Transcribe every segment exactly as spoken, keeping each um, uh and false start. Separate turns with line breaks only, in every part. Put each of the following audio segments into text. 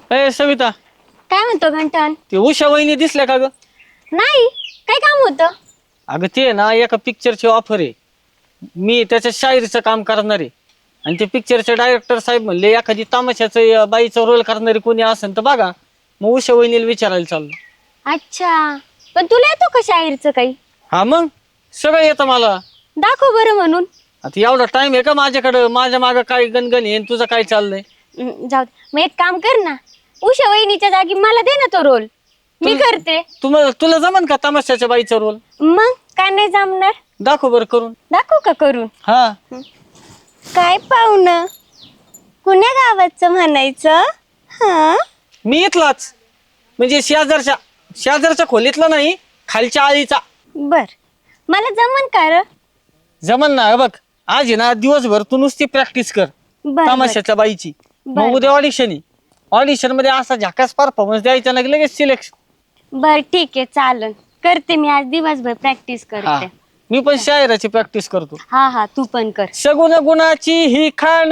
ए सविता,
काय म्हणतो घंटन?
ते उषा वहिनी दिसल्या का ग?
नाही, काय काम होतं?
अगं ते ना एका पिक्चरची ऑफर आहे. मी त्याच्या शायरीचं काम करणार आहे आणि ते पिक्चरचे डायरेक्टर साहेब म्हणले एखादी तमाशाचं बाईचा रोल करणारी कोणी असेल तर बघा. मग उषा वहिनीला विचारायला चाललो.
अच्छा, पण तुला येतो का शाहीरचं काही?
हा मग सगळं येतं मला.
दाखव बरं म्हणून.
आता एवढा टाइम आहे का माझ्याकडं? माझ्या मागं काय गणगण आहे, तुझं काय चाललंय?
हम्म, जाऊ दे. मग एक काम कर ना, उषा वहिनीच्या जागी मला दे ना तो रोल, मी करते.
तुम्हाला तुला जमन का तमाशाच्या बाईचा रोल?
मग काय नाही जमणार?
दाखव बरं करून.
दाखव का करून?
हा
काय पाहुणं, कुण्या गावाचं म्हणायचं? हा,
मी इथलाच, म्हणजे शेजारच्या शेजारच्या खोलीतला नाही, खालच्या आळीचा.
बर, मला जमन का र?
जमन ना. बघ आज आहे ना दिवसभर तू नुसती प्रॅक्टिस कर
बर,
तमाशाच्या बाईची.
बर.
मग उद्या ऑडिशन आहे. ऑडिशन मध्ये असा झकास परफॉर्मन्स द्यायचा ना की लगेच सिलेक्शन.
बर ठीक आहे, चालन. करते मी आज दिवसभर प्रॅक्टिस करते.
मी पण शायराची प्रॅक्टिस करतो.
हा हा, तू पण कर.
सगुण गुणाची ही खाण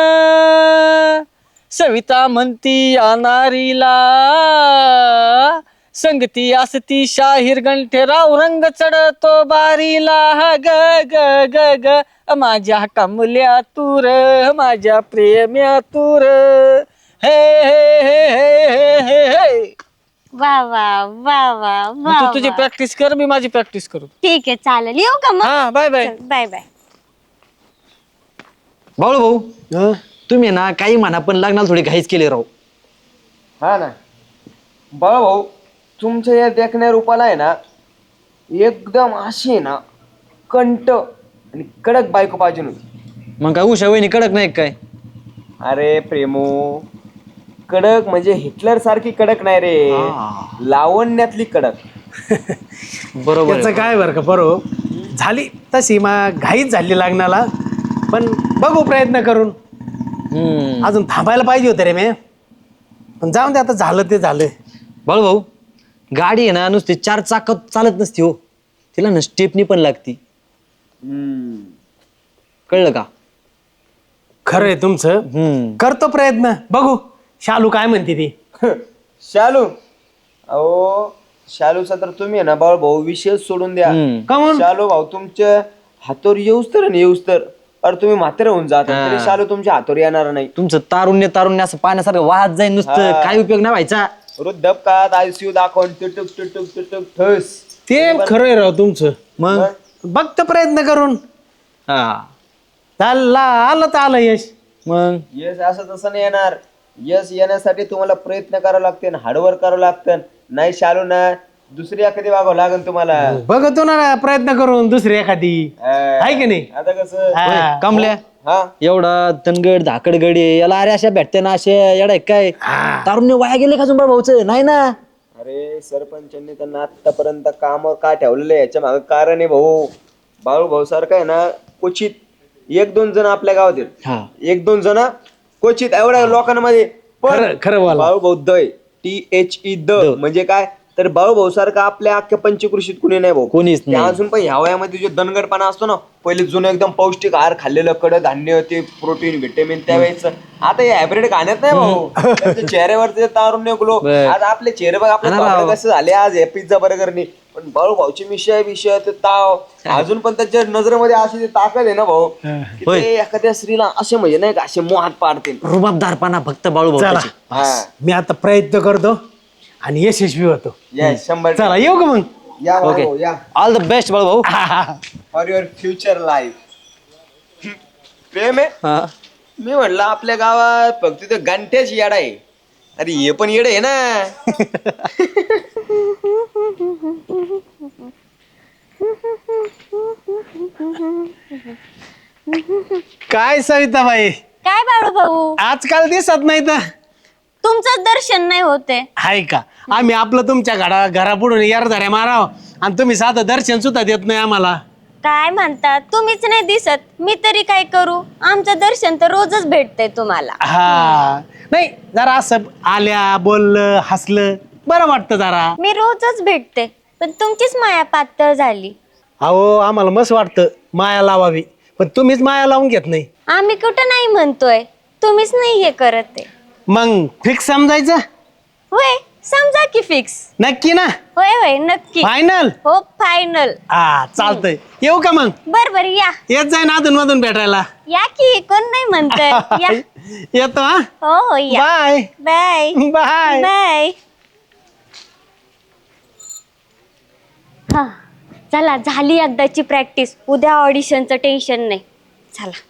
सविता म्हणती अनारीला, संगती असती शाहीर गंठेराव, रंग चढतो बारीला. ग ग ग ग माझ्या कमल्या तूर, माझ्या प्रेम्या तूर. हे हे हे हे हे हे.
वा वा वा वा वा.
तू तुझी प्रॅक्टिस कर, मी माझी प्रॅक्टिस करू.
ठीक आहे, चालेल. येऊ का मग?
हा, bye bye.
Bye bye.
Balu भाऊ, तुम्ही ना काही म्हणा पण लग्नाला थोडी घाईच केली राव.
हा ना बाळा भाऊ, तुमच्या या देखण्या रूपाला आहे ना एकदम अशी आहे ना कंट आणि कडक बायको पाहिजे होती.
मग काय उषा वहिनी कडक नाही काय?
अरे प्रेमो, कडक म्हणजे हिटलर सारखी कडक नाही रे, लावण्यातली कडक.
बरोबर
त्याचं काय बरं का बरो झाली तशी मग घाईच झाली लग्नाला, पण बघू प्रयत्न करून.
हम्म.
अजून थांबायला पाहिजे होतं रे मी, पण जाऊन दे, आता झालं ते झालं.
बाळू भाऊ, गाडी आहे ना नुसती चार चाकत चालत नसती हो, तिला ना स्टेपनी पण लागती. कळलं का?
खरं आहे तुमचं.
हम्म.
करतो प्रयत्न, बघू शालू काय म्हणते ती.
शालू, अहो शालूचा तर तुम्ही आहे ना बाळ भाऊ विषय सोडून द्या.
हम्म.
का म्हणून?
शालू भाऊ तुमच्या हातोर येऊस तर आणि येऊस तर अरे तुम्ही म्हातारे होऊन जाता तरी शालू तुमच्या हातोर येणार नाही.
तुमचं तारुण्य तारुण्य असं पाण्यासारखं वाहत जाईल नुसतं,
हा.
काय उपयोग नाही व्हायचा.
वृद्धपकाळात आयसीयू दाखवून तुटुक तुटुक तुटुक ठस.
ते खरं आहे राव तुमचं.
मग
बघतो प्रयत्न करून.
हा,
चालला आलं तर आलं यश.
मग
यश असं तसं नाही येणार. यश येण्यासाठी तुम्हाला प्रयत्न करावं लागते, हार्डवर्क करावं लागतं. नाही शालू ना दुसरी एखादी वागावं लागेल तुम्हाला.
बघतो ना प्रयत्न करून दुसरी एखादी, आहे की नाही?
आता कसं
हा.
कमल्या
हा
एवढा तनगड धाकड गडी याला अरे अशा भेटते ना असे येडा काय? तारुण्य वाया गेले का जुंबा भाऊचं? नाही ना.
अरे सरपंचांनी त्यांना आतापर्यंत कामावर का ठेवलेलं आहे याच्या मागे कारण आहे भाऊ. बाळू भाऊ सारखं आहे ना क्वचित एक दोन जण आपल्या गावात आहेत.
हा.
एक दोन जण क्वचित एवढ्या लोकांमध्ये.
खरं खरं बोला.
बाळू भाऊ दय टी एच ई द म्हणजे काय तर बाळू भाऊ सारखं आपल्या अख्ख्या पंचकृषीत कुणी नाही भाऊ.
कोणीच
ते
नाही.
अजून पण ह्या वयामध्ये जो दणगडपणा असतो ना, पहिले जुनं एकदम पौष्टिक आहार खाल्लेलं, कडधान्य, ते प्रोटीन व्हिटॅमिन त्यावेळेस. आता हे हायब्रिड खाण्यात नाही भाऊ. त्यांच्या चेहऱ्यावरचे तारुण्य ग्लो.
बर.
आज आपले चेहरे बघ, आपले
हा
कपडे
राव.
कसे झाले आज हे पिझ्झा बर्गरनी. पण बाळू भाऊचे विषय विषय ते ताव अजून पण त्याच्या नजरेमध्ये अशी ती ताकद आहे ना भाऊ की
होय.
ते एखाद्या स्त्रीला असे म्हणजे नाही का असे मोहात पाडते.
रुबाबदारपणा फक्त बाळू
चला
भाऊ.
हा
मी आता प्रयत्न करतो आणि यशस्वी होतो.
येस शंभर
चला येऊ का मग?
या
ओके.
भाऊ या
ऑल द बेस्ट बाळू भाऊ.
For your future life. Prem आहे
हा.
मी म्हणलं आपल्या गावात फक्त ते गंठ्याच येडा आहे. अरे हे पण येड आहे ना.
काय सविताबाई,
काय बाळू भाऊ,
आजकाल दिसत नाही तर
तुमचं दर्शन नाही होते.
आहे का? आम्ही आपलं तुमच्या घरा घरापुढून यार धऱ्या माराव आणि तुम्ही साधं दर्शन सुद्धा देत नाही आम्हाला.
काय म्हणतात, तुम्हीच नाही दिसत, मी तरी काय करू? आमचं दर्शन तर रोजच भेटतंय तुम्हाला.
हा नाही, जरा असं आल्या बोललं हसलं बरं वाटतं जरा.
मी रोजच भेटते, पण तुमचीच माया पातळ झाली.
अहो आम्हाला मस्त वाटतं माया लावावी, पण तुम्हीच माया लावून घेत नाही.
आम्ही कुठं नाही म्हणतोय, तुम्हीच नाही हे करत आहे.
मग फिक्स समजायचं
होय समजा की फिक्स.
नक्की ना
होय होय नक्की.
फायनल
हो फायनल.
हा चालतंय येऊ का मग
बर बर या
येत जाय ना अधून मधून भेटायला
या की कोण नाही म्हणत या.
येतो हा
हो हो या.
Bye
bye
bye
bye. हा चला झाली एकदाची प्रॅक्टिस. उद्या ऑडिशनचं टेन्शन नाही. चला.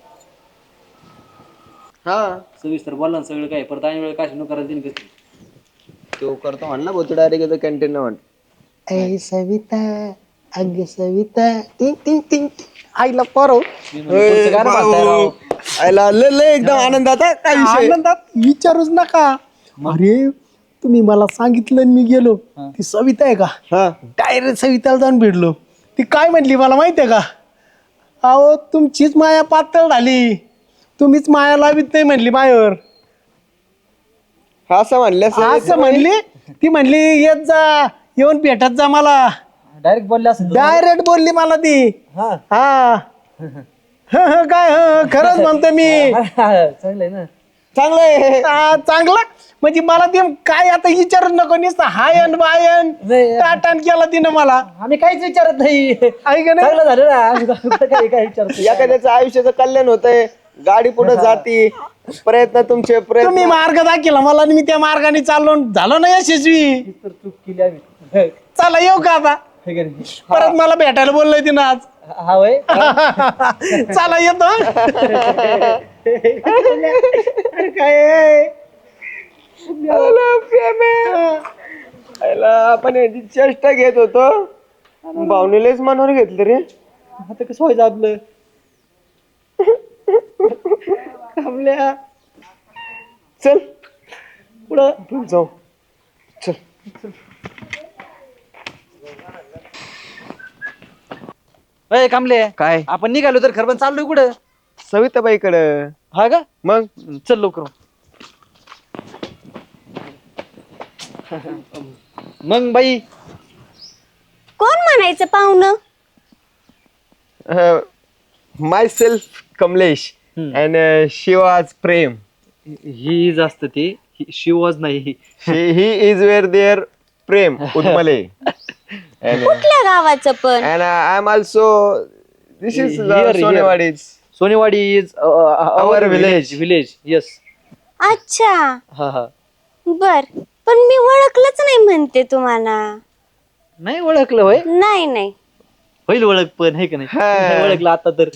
हा
सविस्तर बोला ना सगळं काय परत आणि वेळ काय करायला देईन कसं
तो करतो म्हणला भाऊ, डायरेक्ट कॅन्टीन म्हण.
ऐ सविता अग सविता टिंग टिंग टिंग आईला परव
एकदम आनंदात आहे. काय विषय?
आनंदात विचारूच नका. अरे तुम्ही मला सांगितलं आणि मी गेलो ती सविता आहे का
हा
डायरेक्ट सविताला जाऊन भेटलो. ती काय म्हणली मला माहिती आहे का? अहो तुमचीच माया पातळ झाली, तुम्हीच माया लावित नाही म्हणली मायावर.
असं म्हणलं
असं म्हणली. ती म्हणली येत जा येऊन भेटत जा मला.
डायरेक्ट बोलले असं
डायरेक्ट बोलली मला ती.
हा
हा ह, ह, काय ह, खरंच म्हणतो मी.
चांगलंय ना
चांगलंय.
हा, चांगलं म्हणजे मला ते काय आता विचारत नको नुसतं हायन बायन
नाही.
टाटान केला तिनं मला.
आम्ही काहीच विचारत नाही
ऐक ना
चांगलं झालं ना आम्ही काय काय विचारतो
एखाद्याचं आयुष्याचं कल्याण होतंय, गाडी पुढे जाती, प्रयत्न तुमचे
तुम्ही
प्रयत्न.
मार्ग दाखिला मला आणि मी त्या मार्गाने चाललो झालो ना यशस्वी.
तर चूक केली आम्ही
चला येऊ का आता?
हे का नाही?
परत मला भेटायला बोललोय तिनं आज.
हा वय
चला येतो. अरे काय
आयला आपण याची चेष्टा घेत होतो, भावनेलेच मनावर घेतलं रे.
आता कसं व्हायचं आपलं
थांबल्या. चल पुढं जाऊ. चल
अय कामले
काय
आपण निघालो तर खरं पण चाललोय कुठं?
सविताबाईकडं.
हा का
मग
चल लवकर मग बाई
कोण म्हणायचं पाहुणं?
Myself Kamlesh and Shivaj Prem.
ही जास्त ती शिवज नाही
he is where there Prem उतमले.
कुठल्या गावाचं पण?
And uh, I'm also, this is
Here,
uh,
here.
Sonewadi's.
Sonewadi is our
village.
Village village yes
अच्छा
हा हा
बर. पण मी ओळखलंच नाही म्हणते तुम्हाला.
नाही ओळखलं होय
नाही नाही.
होईल ओळख पण हे का नाही
हा.
ओळखलं आता तर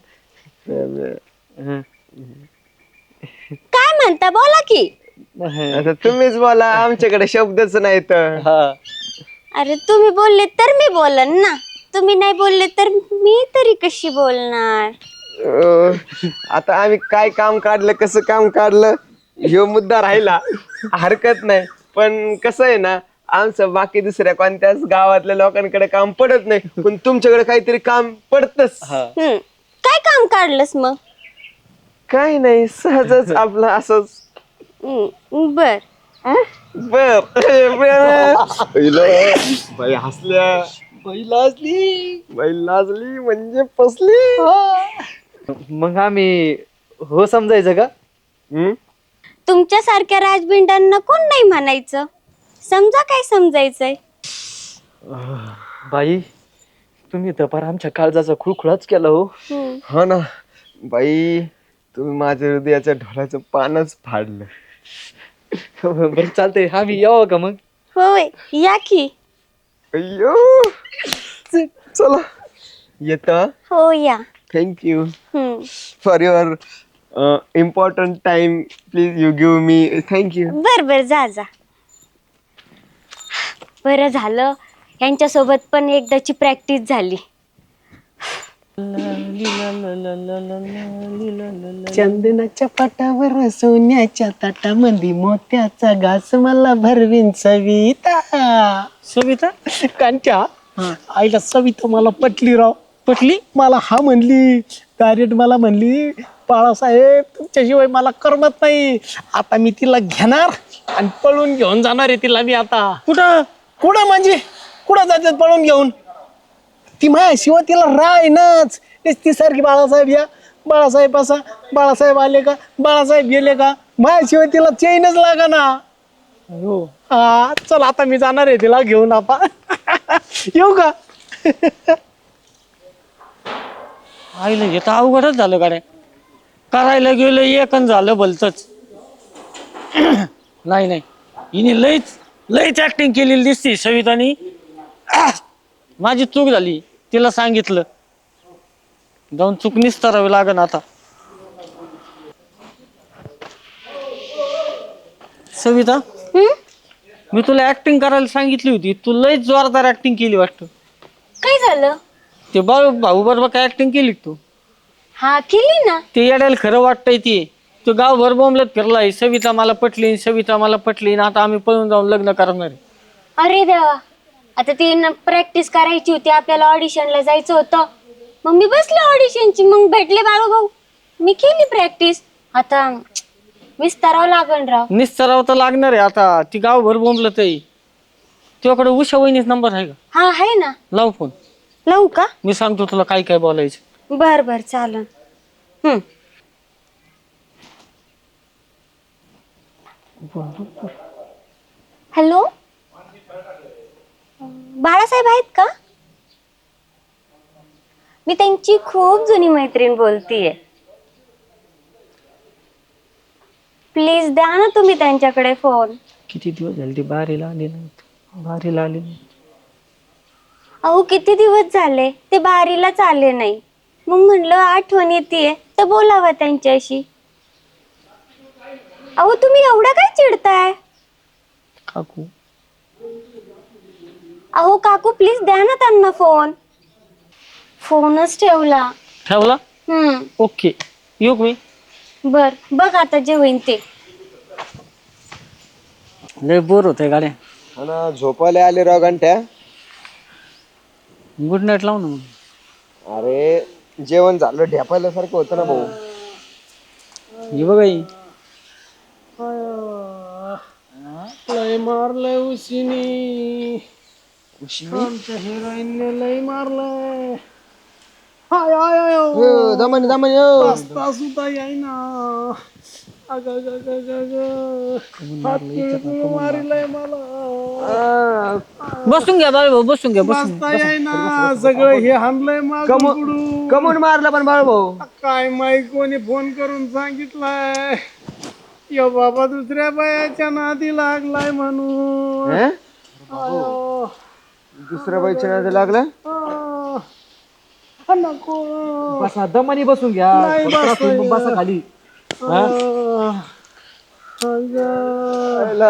काय म्हणता बोला की.
आता तुम्हीच बोला, आमच्याकडे शब्दच नाहीत.
हा
अरे तुम्ही बोलले तर मी बोलन ना. तुम्ही नाही बोलले तर मी तरी कशी बोलणार?
अं, आता आम्ही काय काम काढलं, कसं काम काढलं, ह्यो मुद्दा राहिला, हरकत नाही. पण कसं आहे ना, आमचं बाकी दुसऱ्या कोणत्याच गावातल्या लोकांकडे काम पडत नाही, पण तुमच्याकडे काहीतरी काम पडतच.
हम्म काय काम काढलंस मग?
काही नाही, सहजच आपलं असंच.
हम्म, बर.
बर बाई हसल्या,
बाई लाजली
बाई लाजली म्हणजे फसली.
मग आम्ही हो समजायचं का?
हम्म?
तुमच्यासारख्या राजबिंडांना कोण नाही म्हणायचं. समजा काय समजायचंय.
बाई तुम्ही तर फार आमच्या काळजाचा खुळखुळाच केला हो.
हम्म.
हो ना बाई, तुम्ही माझ्या हृदयाच्या ढोलाचं पानच फाडलं.
बरं चालतंय आम्ही यावं का मग?
होय या की.
अय्यो चला येतो.
हो या.
Thank you
hmm.
For your important time. Please you give me. Thank you.
बर बर जा जा. बरं झालं यांच्यासोबत पण एकदाची प्रॅक्टिस झाली.
चंदनाच्या पाटावर सोन्याच्या ताटामध्ये मोत्याचा घास मला भरवीन सविता. सविता कांच्या आईला सविता मला पटली राव. पटली मला. हा म्हणली डायरेक्ट मला म्हणली बाळासाहेब तुमच्याशिवाय मला करमत नाही. आता मी तिला घेणार आणि पळून घेऊन जाणार आहे तिला मी आता. कुठं कुठं म्हणजे कुठं जातात पळून घेऊन? ती माझ्याशिवाय तिला राहीनच. ती सारखी बाळासाहेब या बाळासाहेब असा बाळासाहेब आले का बाळासाहेब गेले का माझ्याशिवाय तिला चैनच लागा ना.
हो
हा चल आता मी जाणार आहे तिला घेऊन आपा. येऊ का?
आईला हे तर अवघडच झालं गाड्या. करायला गेलं एकन झालं भलतच. नाही नाही हिने लईच लईच ऍक्टिंग केलेली दिसती सवितानी. माझी चूक झाली तिला सांगितलं. जाऊन चूक निस्तरावी लागन आता. सविता
हम्म?
मी तुला ऍक्टिंग करायला सांगितली होती, तू लईच जोरदार ऍक्टिंग केली वाटतं.
काय झालं?
ते बाळू भाऊ बरोबर काय ऍक्टिंग केली का तू?
हा केली ना.
ते येड्याला खरं वाटतंय ते. तो गावभर बोंबलत फिरलाय, सविता मला पटली, सविता मला पटली, आता आम्ही पळून जाऊन लग्न करणार आहे.
अरे देवा, आता ती प्रॅक्टिस करायची होती, आपल्याला ऑडिशनला जायचं होतं. मग मी बसले ऑडिशनची, मग भेटले बाळू भाऊ, मी केली प्रॅक्टिस. आता विस्तारावं लागण राव.
निस्तराव तर लागणार आहे आता. ती गावभर बोंबलत आहे. तुझ्याकडे उषा वहिनीच नंबर आहे का?
हा आहे ना.
लाव फोन.
लावू का?
मी सांगतो तुला काय काय बोलायचं.
बर बर चालन. हम्म. हॅलो, बाळासाहेब आहेत का? मी त्यांची खूप जुनी मैत्रीण बोलतीये. प्लीज द्या ना तुम्ही त्यांच्याकडे फोन.
किती दिवस झाले ती बारीला आली नाही. बारीला आली नाही.
अहो किती दिवस झाले ते बारीलाच आले नाही. मग म्हणलं आठवण येते तर बोलावं त्यांच्याशी. अहो तुम्ही एवढा काय चिडताय?
काकू
अहो काकू प्लीज द्या ना त्यांना फोन. फोनच ठेवला.
ठेवला?
हम्म.
ओके येऊ का मी?
बर बघ आता जे होईन ते.
लय बोर होतंय गाड्या.
हा ना, झोपायला आले राव घंट्या.
गुड नाईट लाव ना मग.
अरे जेवण झालं ढेपायल्यासारखं होतं ना भाऊ.
हे बघा ही.
लय मारलंय उशिनी. आमच्या हिरोईनने लय मारलंय. हाय हाय हाय
हो, दमन दमन यो.
बसता सुद्धा येईना. अग अग अग अग अग. हात पिळून मारिलंय मला.
बसून घ्या बाळ भाऊ, बसून घ्या, बसून
बसता येईना. सगळं हे हाणलंय मागून पुढून.
कमून मारला पण बाळ भाऊ.
काय माहित कोणी फोन करून सांगितलंय. यो बाबा दुसऱ्या बायाच्या नादी लागलाय म्हणून.
हं?
आयो.
दुसऱ्या बाईच्या नादी लागलं.
आ. आ, नको.
बसा दमानी बसून घ्या.
नाही बसता येत.
बसा खाली.
आ. अगं.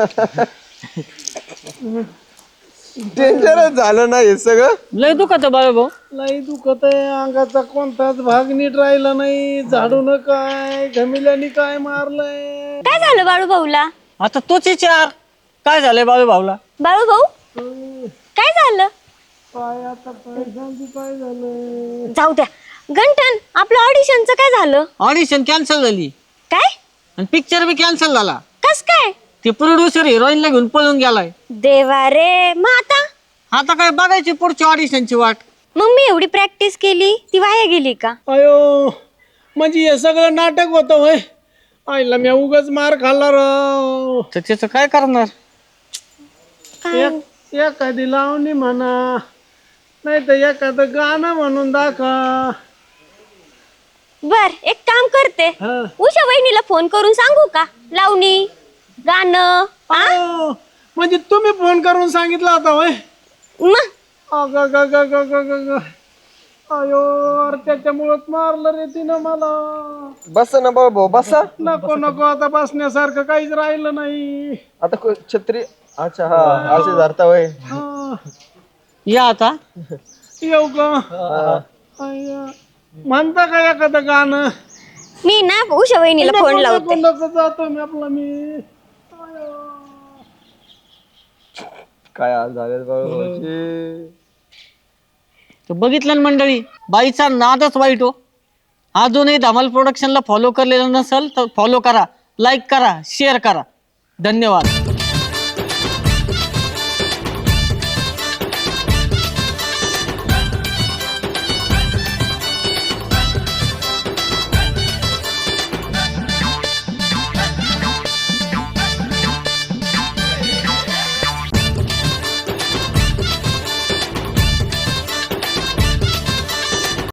डेंजरच झालं ना हे सगळं.
लय दुखत बाळ भाऊ.
लई दुखत आहे. अंगाचा कोणताच भाग नीट राहिला नाही. झाडून काय घमिल्याने काय मारलंय.
काय झालं बाळू भाऊला?
आता तोच विचार. काय झालंय बाळू भाऊला?
बाळू भाऊ काय झालं?
काय आता पैशांची काय झालं.
जाऊ द्या. गंठन आपलं ऑडिशनचं काय झालं?
ऑडिशन कॅन्सल झाली
काय?
आणि पिक्चर बी कॅन्सल झाला.
कस काय?
ते प्रोड्युसर हिरोईनला घेऊन पळून गेलाय.
देवा रे. मग आता
आता काय बघायची पुढची ऑडिशनची वाट.
मग मी एवढी प्रॅक्टिस केली ती वाया गेली का?
अयो म्हणजे हे सगळं नाटक होतं होय. आईला मी उगाच मार खाल्ला राव.
तर त्याचं काय करणार?
एक एखादी लावणी म्हणा, नाही तर एखादं गाणं म्हणून दाखवा.
बर एक काम करते.
हा.
उषा वहिनीला फोन करून सांगू का? लावणी गाणं. हा?
अयो, म्हणजे तुम्ही फोन करून सांगितलं होता होय.
मग
अग ग ग ग ग ग ग. अयो अरे त्याच्यामुळेच मारलं रे तिनं मला.
बस ना बाळ भाऊ बसा.
नको नको आता बसण्यासारखं काहीच राहिलं नाही.
आता को- छत्री. अच्छा हा असे धरता होय.
हा.
या आता.
येऊ का? अय्या. म्हणता का एखादं गाणं?
मी ना उषा वहिनीला फोन
नको,
लावते.
नको, नको, जातो मी आपला मी.
काय हाल झाले बाळ भाऊचे.
तर बघितलं ना मंडळी, बाईचा नादच वाईट हो. अजूनही धमाल प्रोडक्शनला फॉलो करलेलं नसेल तर फॉलो करा, लाईक करा, शेअर करा. धन्यवाद.